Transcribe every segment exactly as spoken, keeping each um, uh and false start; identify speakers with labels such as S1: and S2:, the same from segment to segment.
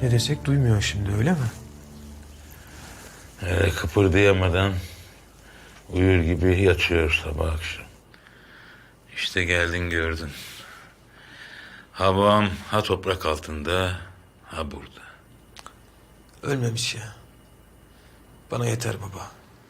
S1: Ne desek duymuyor şimdi, öyle mi?
S2: Ee, kıpırdayamadan uyur gibi yatıyor sabah akşam. İşte geldin gördün. Ha babam ha toprak altında ha burada.
S1: Ölmemiş ya. Bana yeter baba.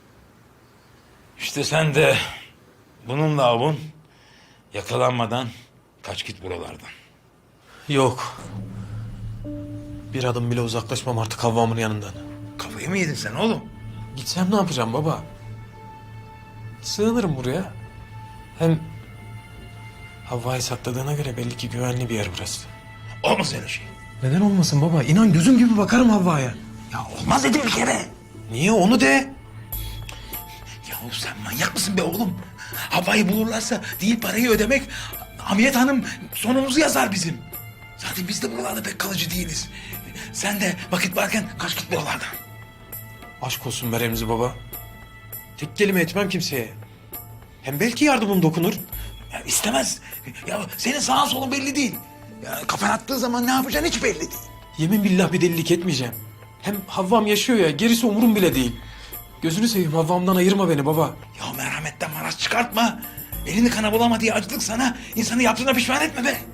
S2: İşte sen de bununla avun yakalanmadan kaç git buralardan.
S1: Yok. Bir adım bile uzaklaşmam artık Havva'mın yanından.
S2: Kafayı mı yedin sen oğlum?
S1: Gitsem ne yapacağım baba? Sığınırım buraya. Hem Havva'yı sakladığına göre belli ki güvenli bir yer burası.
S2: Olmaz öyle şey.
S1: Neden olmasın baba? İnan gözüm gibi bakarım Havva'ya.
S2: Ya olmaz dedim bir kere.
S1: Niye, onu de.
S2: Yahu sen manyak mısın be oğlum? Havayı bulurlarsa değil parayı ödemek, Hamiyet Hanım sonumuzu yazar bizim. Zaten biz de buralarda pek kalıcı değiliz. Sen de vakit varken kaç git buralardan.
S1: Aşk olsun be Remzi baba. Tek kelime etmem kimseye. Hem belki yardımım dokunur.
S2: Ya istemez. Ya senin sağın solun belli değil. Ya kafan attığı zaman ne yapacağın hiç belli değil.
S1: Yemin billah bir delilik etmeyeceğim. Hem Havvam yaşıyor ya, gerisi umurum bile değil. Gözünü seveyim, Havvam'dan ayırma beni baba.
S2: Ya merhametten maraz çıkartma. Elini kana bulama diye acılık sana. İnsanı yaptığına pişman etme be.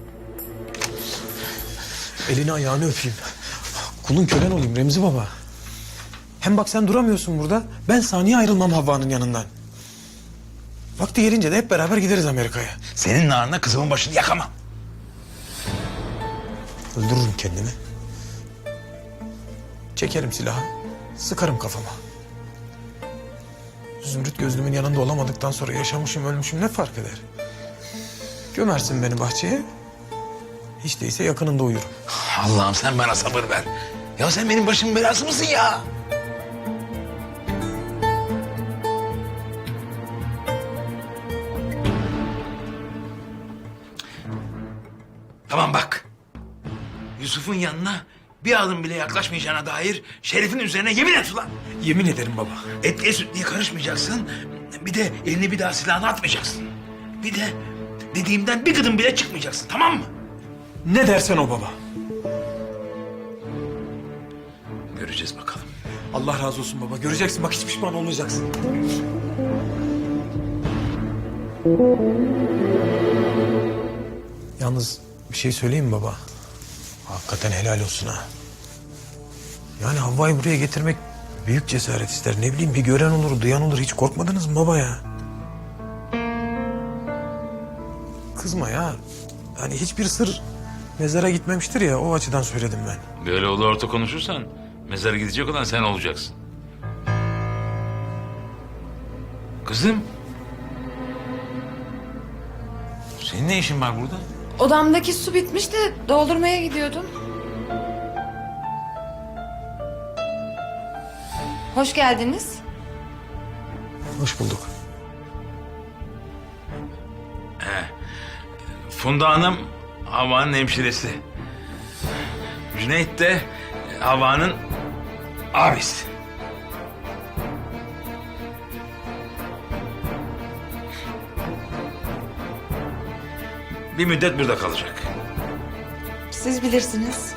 S1: Elini ayağını öpeyim. Kulun kölen olayım Remzi baba. Hem bak sen duramıyorsun burada. Ben saniye ayrılmam Havva'nın yanından. Vakti gelince de hep beraber gideriz Amerika'ya.
S2: Senin narına kızımın başını yakamam.
S1: Öldürürüm kendimi. Çekerim silahı. Sıkarım kafama. Zümrüt gözlümün yanında olamadıktan sonra yaşamışım ölmüşüm ne fark eder? Gömersin beni bahçeye. Hiç değilse yakınında uyurum.
S2: Allah'ım sen bana sabır ver. Ya sen benim başımın belası mısın ya? Tamam bak. Yusuf'un yanına bir adım bile yaklaşmayacağına dair Şerif'in üzerine yemin et ulan.
S1: Yemin ederim baba.
S2: Etliye sütlüye karışmayacaksın. Bir de elini bir daha silahına atmayacaksın. Bir de dediğimden bir gıdım bile çıkmayacaksın, tamam mı?
S1: Ne dersen o baba.
S2: Göreceğiz bakalım.
S1: Allah razı olsun baba. Göreceksin bak, hiç pişman olmayacaksın. Yalnız bir şey söyleyeyim mi baba? Hakikaten helal olsun ha. Yani Havva'yı buraya getirmek büyük cesaret ister. Ne bileyim, bir gören olur, duyan olur. Hiç korkmadınız mı baba ya? Kızma ya. Hani hiçbir sır mezara gitmemiştir ya, o açıdan söyledim ben.
S2: Böyle ulu orta konuşursan mezara gidecek olan sen olacaksın. Kızım. Senin ne işin var burada?
S3: Odamdaki su bitmiş de doldurmaya gidiyordum. Hoş geldiniz.
S1: Hoş bulduk.
S2: Funda Hanım Havva'nın hemşiresi. Cüneyt de Havva'nın abisi. Bir müddet burada kalacak.
S3: Siz bilirsiniz.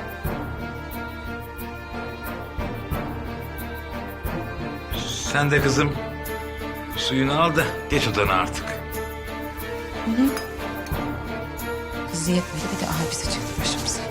S2: Sen de kızım suyunu al da geç odana artık.
S3: Kızı yetmedi bir de abisi çıktı başımıza.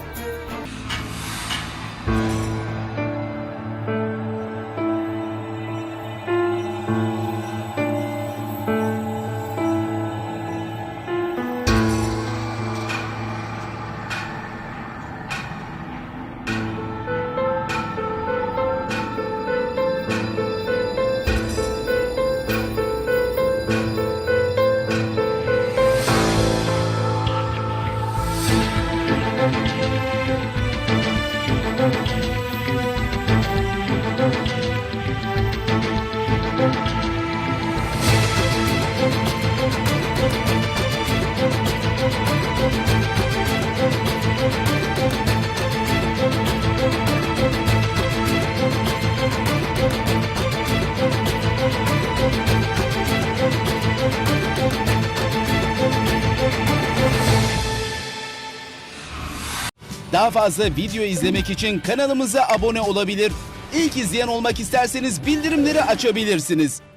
S4: Daha Daha fazla video izlemek için kanalımıza abone olabilir. İlk izleyen olmak isterseniz bildirimleri açabilirsiniz.